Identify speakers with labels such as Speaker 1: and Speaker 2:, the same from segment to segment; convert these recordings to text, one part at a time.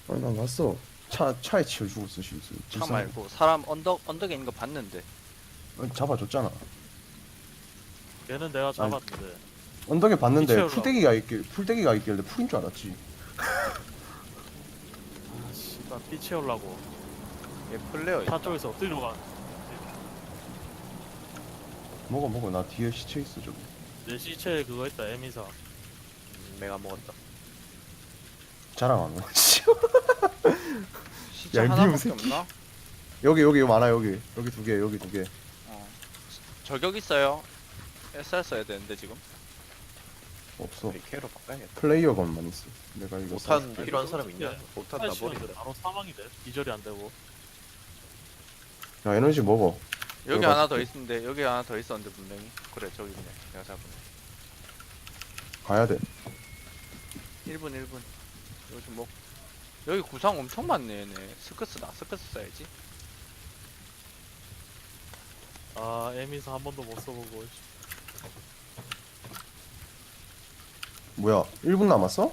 Speaker 1: 아니 난 봤어. 차에 치여 죽었어 실수.
Speaker 2: 차 말고 사람 언덕에 있는 거 봤는데.
Speaker 1: 잡아줬잖아.
Speaker 3: 걔는 내가 잡았는데.
Speaker 1: 언덕에 봤는데
Speaker 3: 미쳐올라.
Speaker 1: 풀떼기가 있길래 풀인 줄 알았지.
Speaker 3: 아 씨발 피 채우려고
Speaker 2: 얘 플레어
Speaker 3: 차 쪽에서 엎드리러 가.
Speaker 1: 먹어 나 뒤에 시체 있어 저기.
Speaker 3: 내 시체에 그거 있다 에미사.
Speaker 2: 내가 먹었다.
Speaker 1: 자랑 안 해.
Speaker 2: 시체
Speaker 1: 야, 이
Speaker 2: 하나밖에
Speaker 1: 미운 새끼.
Speaker 2: 없나?
Speaker 1: 여기 많아 여기 두 개 여기 두 개.
Speaker 2: 어. 저격 있어요. SR 써야 되는데 지금.
Speaker 1: 없어.
Speaker 4: AK로 바꿔야겠다.
Speaker 1: 플레이어건만 있어. 내가 이거
Speaker 4: 못한
Speaker 1: 써.
Speaker 4: 필요한 사람 있냐? 못한
Speaker 3: 시간인데
Speaker 4: 나버리래.
Speaker 3: 바로 사망이 돼. 기절이 안 되고.
Speaker 1: 야 에너지 먹어.
Speaker 2: 여기
Speaker 1: 내가
Speaker 2: 하나 더
Speaker 1: 줄게.
Speaker 2: 있는데 여기 하나 더 있었는데 분명히. 그래 저기 있네. 내가 잡은.
Speaker 1: 가야 돼.
Speaker 2: 1분. 요즘 뭐 여기 구상 엄청 많네 얘네. 스커스다. 스커스 써야지.
Speaker 3: 아 에미사 한 번도 못 써보고.
Speaker 1: 뭐야 1분 남았어?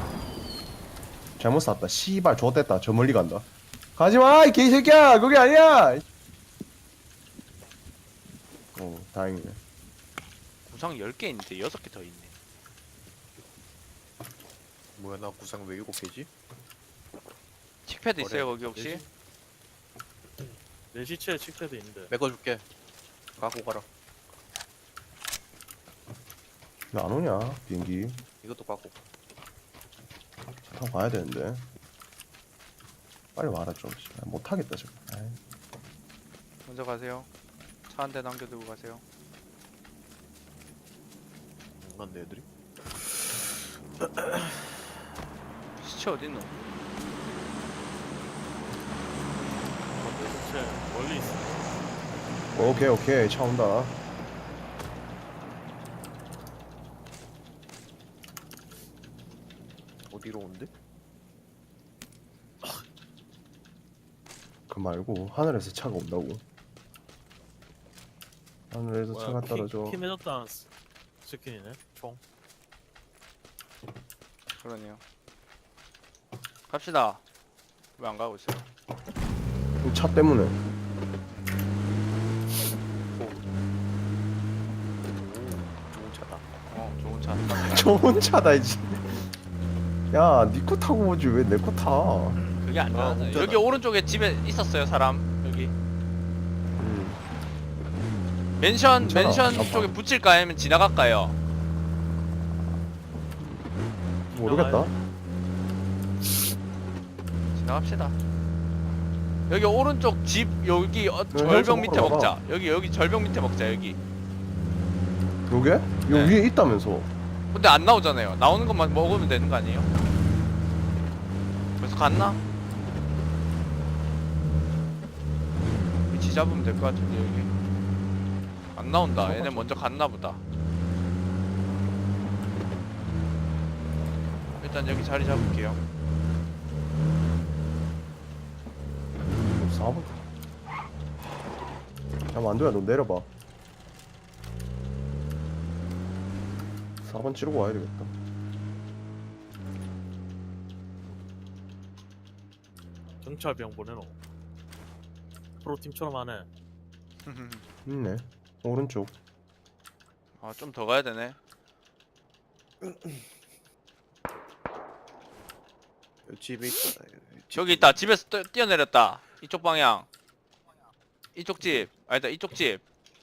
Speaker 1: 잘못 쐈다. 씨발 좆됐다. 저 멀리 간다. 가지마 이 개새끼야. 그게 아니야. 다행이네.
Speaker 2: 구상 10개 있는데 6개 더 있네.
Speaker 4: 뭐야 나 구상 왜 7개지?
Speaker 2: 칙패드 있어요 거기 혹시?
Speaker 3: 내, 내 시체에 칙패드 있는데.
Speaker 4: 메꿔줄게. 갖고 가라.
Speaker 1: 왜 안 오냐 비행기.
Speaker 4: 이것도 갖고.
Speaker 1: 타고 가야 되는데. 빨리 와라 좀. 못하겠다 저거. 아이.
Speaker 2: 먼저 가세요. 차 한 대 남겨두고 가세요.
Speaker 4: 맞네 애들이.
Speaker 2: 시체 어딨노?
Speaker 3: 내 시체 멀리 있어.
Speaker 1: 오케이 차 온다.
Speaker 4: 어디로 온대?
Speaker 1: 그 말고 하늘에서 차가 온다고. 하늘에서 차가 떨어져.
Speaker 3: 키 맺었다는 스킨이네. 총.
Speaker 2: 그러네요. 갑시다. 왜 안 가고 있어요?
Speaker 1: 이 차 때문에.
Speaker 4: 좋은 차다.
Speaker 2: 좋은 차.
Speaker 1: 좋은 차다 이제. 야, 니 코 타고 오지 왜 내 코 타?
Speaker 2: 그게 안 나와요.
Speaker 4: 운전하-
Speaker 2: 여기 오른쪽에 집에 있었어요 사람. 여기 맨션
Speaker 1: 괜찮아. 아빠.
Speaker 2: 쪽에 붙일까 아니면 지나갈까요?
Speaker 1: 모르겠다.
Speaker 2: 지나갑시다. 여기 오른쪽 집 여기
Speaker 1: 현수
Speaker 2: 절벽 밑에
Speaker 1: 먹으러
Speaker 2: 먹자. 여기 절벽 밑에 먹자 여기.
Speaker 1: 요게? 요
Speaker 2: 네.
Speaker 1: 위에 있다면서.
Speaker 2: 근데 안 나오잖아요. 나오는 것만 먹으면 되는 거 아니에요? 벌써 갔나? 위치 잡으면 될 것 같은데 여기 안 나온다. 얘네 먼저 갔나 보다. 일단 여기 자리 잡을게요.
Speaker 1: 4번. 야, 만두야 너 내려봐. 4번 찌르고 와야 되겠다.
Speaker 3: 경찰병 보내노. 프로팀처럼 하네.
Speaker 1: 있네. 오른쪽.
Speaker 2: 아 좀 더 가야 되네.
Speaker 4: 여기 집에 있다.
Speaker 2: 저기 있다. 집에서 뛰어내렸다. 이쪽 방향. 이쪽 집. 아니다 이쪽 집.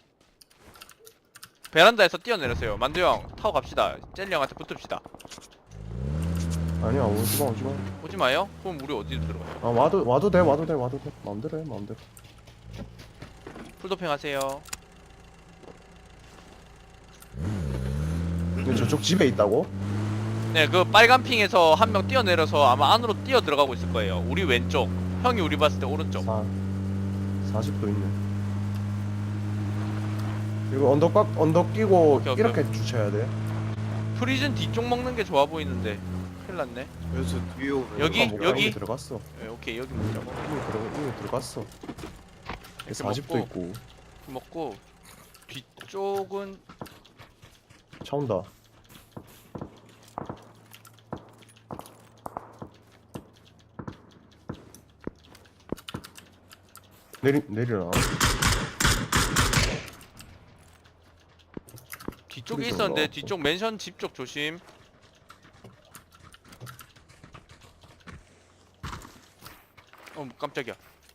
Speaker 2: 베란다에서 뛰어내렸어요. 만두 형 타고 갑시다. 젤리 형한테 붙읍시다.
Speaker 1: 아니야 오지마.
Speaker 2: 오지 마요? 그럼 우리 어디로 들어가요?
Speaker 1: 아 와도 돼. 마음대로 해 마음대로.
Speaker 2: 풀도핑 하세요.
Speaker 1: 근데 저쪽 집에 있다고?
Speaker 2: 네, 그 빨간 핑에서 한 명 뛰어내려서 아마 안으로 뛰어 들어가고 있을 거예요. 우리 왼쪽. 형이 우리 봤을 때 오른쪽.
Speaker 1: 40도 있네. 이거 언덕 끼고
Speaker 2: 오케이.
Speaker 1: 이렇게 주차해야 돼.
Speaker 2: 프리즌 뒤쪽 먹는 게 좋아 보이는데. 큰일 났네.
Speaker 4: 여기서 뒤에 오는
Speaker 2: 여기?
Speaker 1: 뭐
Speaker 2: 여기?
Speaker 1: 이미 들어갔어.
Speaker 2: 네, 오케이 여기 먹자고.
Speaker 1: 이미 들어갔어.
Speaker 2: 이렇게
Speaker 1: 40도 있고.
Speaker 2: 먹고 뒤쪽은
Speaker 1: 차 온다. 내리나?
Speaker 2: 뒤쪽에
Speaker 1: 그래서
Speaker 2: 있었는데
Speaker 1: 올라왔고.
Speaker 2: 뒤쪽 맨션 집 쪽 조심. 깜짝이야.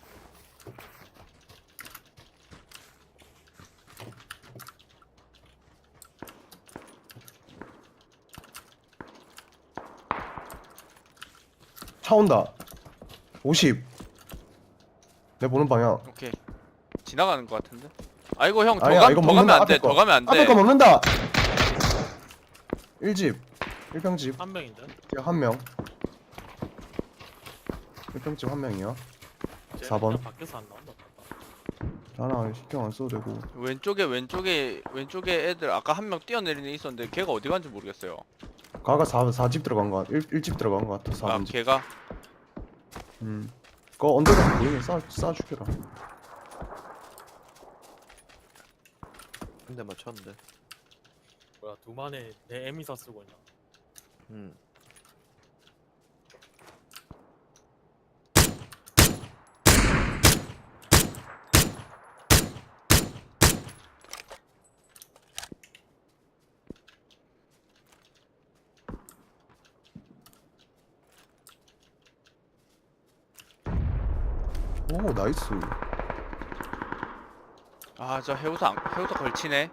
Speaker 1: 차 온다. 50. 내 보는 방향.
Speaker 2: 오케이. 지나가는 것 같은데. 아이고 형, 더
Speaker 1: 아니야, 이거
Speaker 2: 가면
Speaker 1: 먹는다,
Speaker 2: 안 돼.
Speaker 1: 앞에 거.
Speaker 2: 더 가면 안
Speaker 1: 앞에 거
Speaker 2: 돼.
Speaker 1: 먹는다. 1집. 1평집.
Speaker 3: 한 명인데.
Speaker 1: 한 명. 1평집 한 명이야. 4번.
Speaker 3: 밖에서 안 나온다.
Speaker 1: 나랑 신경 안 써도 되고.
Speaker 2: 왼쪽에 애들 아까 한 명 뛰어내리는 애 있었는데 걔가 어디 간지 모르겠어요.
Speaker 1: 가가 4집 들어간 거 같아. 1집 들어간 거 같아.
Speaker 2: 아
Speaker 1: 4번집.
Speaker 2: 걔가
Speaker 1: 그거 언덕에 보이면 쏴 죽여라.
Speaker 4: 한 대 맞췄는데.
Speaker 3: 뭐야 두만에 내 에미사 쓰고 있나?
Speaker 4: 음.
Speaker 1: 오 나이스.
Speaker 2: 아 저 해우사 걸치네.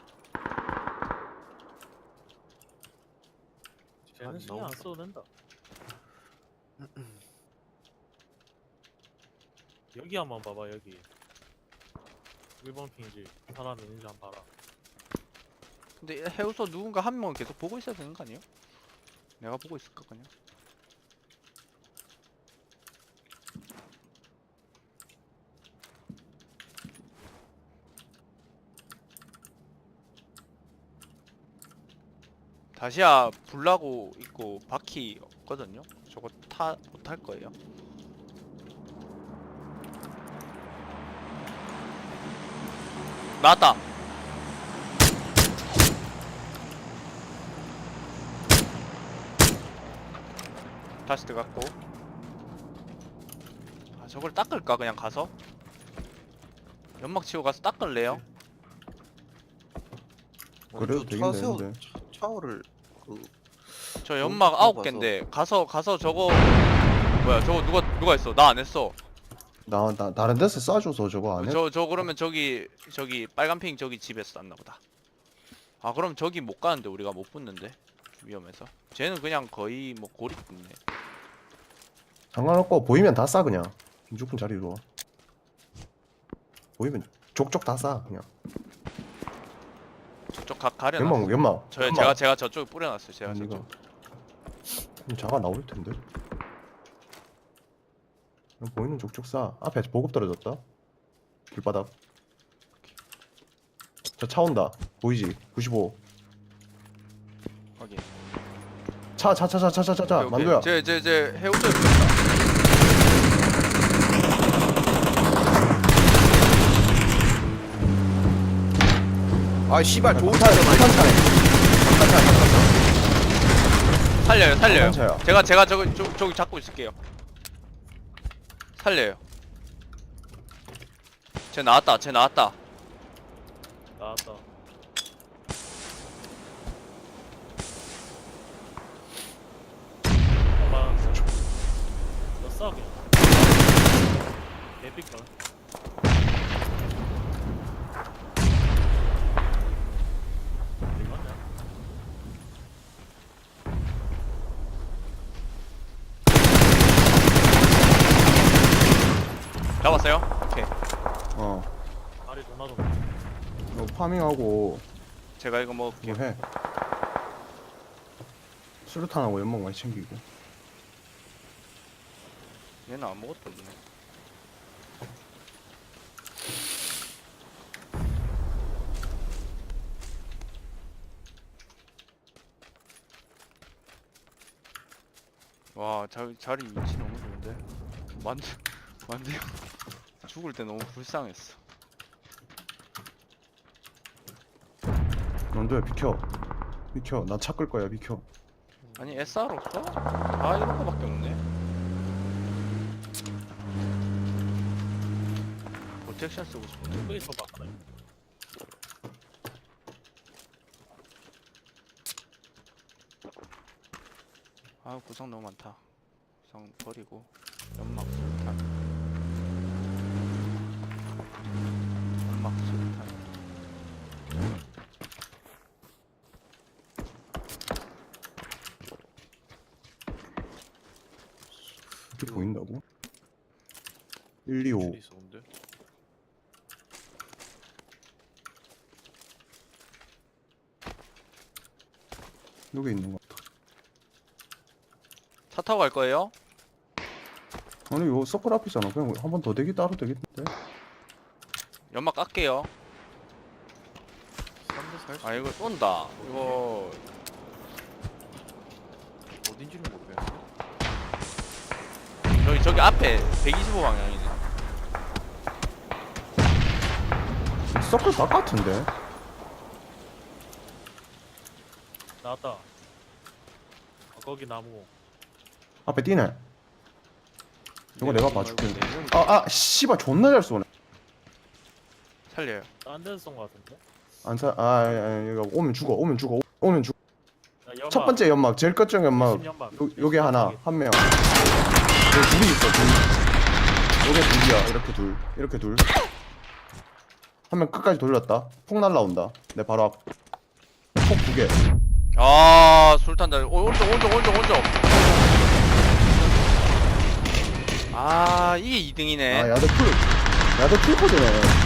Speaker 3: 쟤는 신경 안 써도 된다. 여기 한번 봐봐 여기. 1번 핑지 사람 있는지 한번 봐라.
Speaker 2: 근데 해우서 누군가 한 명은 계속 보고 있어야 되는 거 아니에요? 내가 보고 있을까 그냥? 다시야 불나고 있고 바퀴 없거든요? 저거 못할 거예요. 나왔다! 다시 들어갔고. 아 저걸 닦을까 그냥 가서? 연막 치고 가서 닦을래요?
Speaker 1: 그래도 되긴 되는데.
Speaker 4: 차오를 그
Speaker 2: 저 연막
Speaker 4: 가서.
Speaker 2: 9개인데 가서 저거 뭐야 저거 누가 했어? 나 안 했어.
Speaker 1: 나 다른 데서 쏴줘서 저거 안 해?
Speaker 2: 저 그러면 저기 빨간 핑 저기 집에서 났나 보다. 아 그럼 저기 못 가는데 우리가 못 붙는데 위험해서. 쟤는 그냥 거의 뭐 고립 붙네.
Speaker 1: 상관없고 보이면 다 쏴 그냥. 무조건 자리로 와. 보이면 족족 다 쏴 그냥.
Speaker 2: 저쪽 가려놨어.
Speaker 1: 연막.
Speaker 2: 제가 저쪽에 뿌려놨어요. 제가
Speaker 1: 아니,
Speaker 2: 저쪽.
Speaker 1: 자가 나올 텐데. 그냥 보이는 족족 쏴. 앞에 보급 떨어졌다. 길바닥. 저 차 온다. 보이지? 95.
Speaker 2: 확인.
Speaker 1: 차. 만두야.
Speaker 2: 제 해우소에 붙였다.
Speaker 4: 아 씨발 좋은
Speaker 1: 차에.
Speaker 2: 살려요.
Speaker 1: 차야.
Speaker 2: 제가 저기 잡고 있을게요. 살려요. 쟤 나왔다.
Speaker 3: 나왔다. 봐봐. 너 싸 그냥. 개삐까. 어디 갔냐?
Speaker 2: 잡았어요? 오케이.
Speaker 1: 어.
Speaker 3: 발이 도나 좀.
Speaker 1: 너 파밍하고
Speaker 2: 제가 이거
Speaker 1: 뭐
Speaker 2: 먹을게요.
Speaker 1: 해. 수류탄하고 연막 많이 챙기고.
Speaker 2: 얘는 아무것도 없네. 와 자리 위치 너무 좋은데. 만두 형 죽을 때 너무 불쌍했어.
Speaker 1: 만두야 비켜. 나 차 끌 거야 비켜.
Speaker 2: 아니 SR 없어? 아 이런 거밖에 없네. 프로텍션 쓰고 싶은데.
Speaker 3: 여기 있어봐.
Speaker 2: 아 구성 너무 많다. 구성 버리고 연막 수류탄. 연막 수류탄.
Speaker 1: 이렇게 보인다고? 1, 2, 5
Speaker 4: 줄이 있어 근데.
Speaker 1: 여기 있는 거 같아.
Speaker 2: 차 타고 갈 거예요?
Speaker 1: 아니 요 서클 앞이잖아. 그냥 한 번 더 대기 따로 되겠는데?
Speaker 2: 연막 깎게요.
Speaker 4: 3대 40.
Speaker 2: 아 이거 쏜다. 이거
Speaker 4: 어딘지는 모르겠어.
Speaker 2: 저기 앞에 125 방향이네.
Speaker 1: 서클 바깥인데?
Speaker 3: 나왔다. 거기 나무.
Speaker 1: 앞에 뛰네. 이거 내가 봐줄게.
Speaker 2: 네,
Speaker 1: 씨발 존나 잘 쏘네.
Speaker 2: 살려요.
Speaker 3: 딴 데서 쏜거 같은데?
Speaker 1: 이거 오면 죽어. 오면 죽어.
Speaker 3: 야, 연막.
Speaker 1: 첫 번째 연막, 제일 끝쪽 연막.
Speaker 3: 연막.
Speaker 1: 요게 하나, 한 명. 여기 둘이 있어, 둘. 요게 둘이야, 이렇게 둘. 한 명 끝까지 돌렸다. 폭 날라온다. 내 바로 앞. 폭 2개.
Speaker 2: 아 술탄 다 오른쪽. 아 이게 2등이네.
Speaker 1: 야드 풀 코드네.